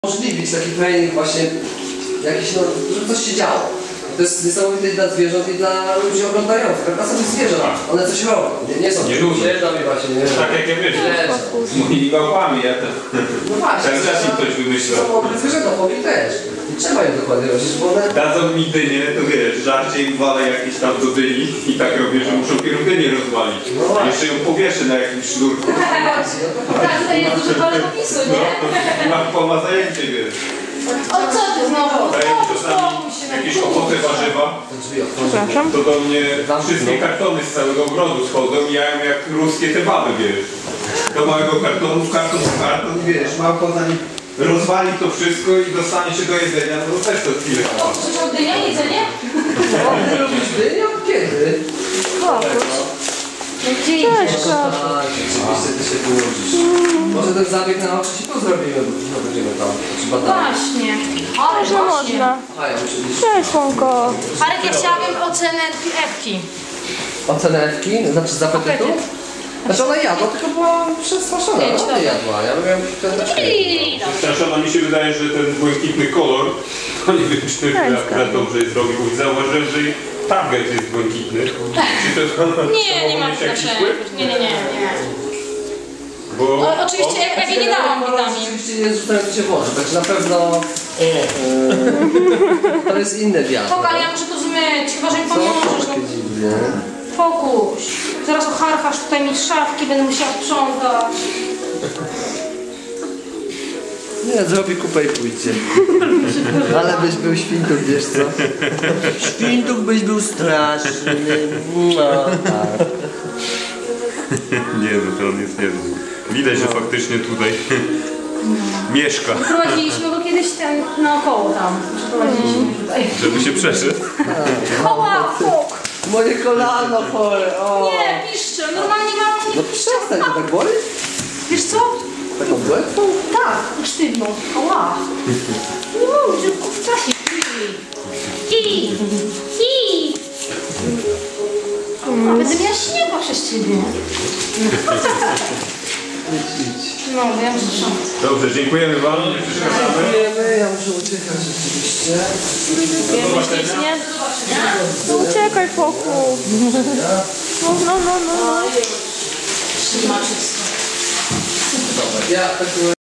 umożliwić taki trening właśnie jakiś, no, żeby coś się działo. To jest niesamowite i dla zwierząt, i dla ludzi oglądających. Tak są zwierzęta, one coś robią. Nie są siedzą i właśnie, nie wiem. Tak jak ja wiesz, z moimi małpami, ja to... No właśnie. Cały czas im coś wymyślał. Są okre zwierzęta, powiem też. I trzeba je dokładnie robić, bo one... Dadzą mi dynię, to wiesz, żarcie im walę jakieś tam do dyni i tak robię, że muszą pierw dynię rozwalić. No właśnie. Jeszcze ją powieszę na jakimś sznurku. Tak, tutaj jest dużo pole popisu, nie? Ma zajęcie, wiesz. O co ty znowu? Daję mi czasami jakieś owoce, warzywa. Przepraszam. To do mnie wszystkie kartony z całego ogrodu schodzą i ja jem jak ruskie te baby, wiesz. Do małego kartonu, karton, wiesz, małpo zanim rozwali to wszystko i dostanie się do jedzenia, no to też to chwilę. O, słyszał dynia, jedzenie? O, ty lubisz dynię? Kiedy? No gdzie idziesz? Tak, rzeczywiście ty się wyłożysz. Może ten zabieg na oczy ci tu zrobimy, bo no, będziemy tam badać. Właśnie. Ale Można, właśnie. można. A ja oczywiście. Cześć, Słonko. Arek, ja chciałabym ocenę Ewki. Ocenę Ewki? Znaczy z apetytu? Znaczy ona jadła, tylko była przestraszona. Ona nie jadła, ja robiłem piąteczkę. Przepraszam, mi się wydaje, że ten błękitny kolor, to nie wiem, czy to akurat dobrze jest robił, bo zauważyłem, że target jest błękitny. Czy to Nie ma znaczenia. Nie. Bo Oczywiście, ja nie dałam witamin. Oczywiście nie rzucając się w oczy, także na pewno to jest inny wiatr. Spoko, ale ja muszę to zmyć, chyba że mi pomożesz. Takie dziwnie. Fokuś. Zaraz ocharchasz tutaj mi szafki, będę musiała sprzątać. Nie, zrobi kupę i pójdzie. Ale byś był świntów, wiesz co? Świntów byś był straszny. No, tak. nie, no to on jest niezły. Widać, że faktycznie tutaj mieszka. Prowadziliśmy go kiedyś naokoło tam. Przeprowadziliśmy tutaj. Żeby się przeszedł. Oła, fok! Moje kolano chore, o. Nie, piszcze, normalnie mam... No przestań, to tak boli? Wiesz co? Taką błędną? Tak, sztywną. Oła. Nie mów, że w czasie. I. Będę miała śniegu przez ciebie. Idź. No, bo ja muszę sprzątać. Dobrze, dziękujemy wam. Nie przeszkadzamy. Dziękujemy, ja muszę uciekać rzeczywiście. Wiemy ślicznie. No uciekaj, Foku. No. Trzyma czysto. Dobra, ja tak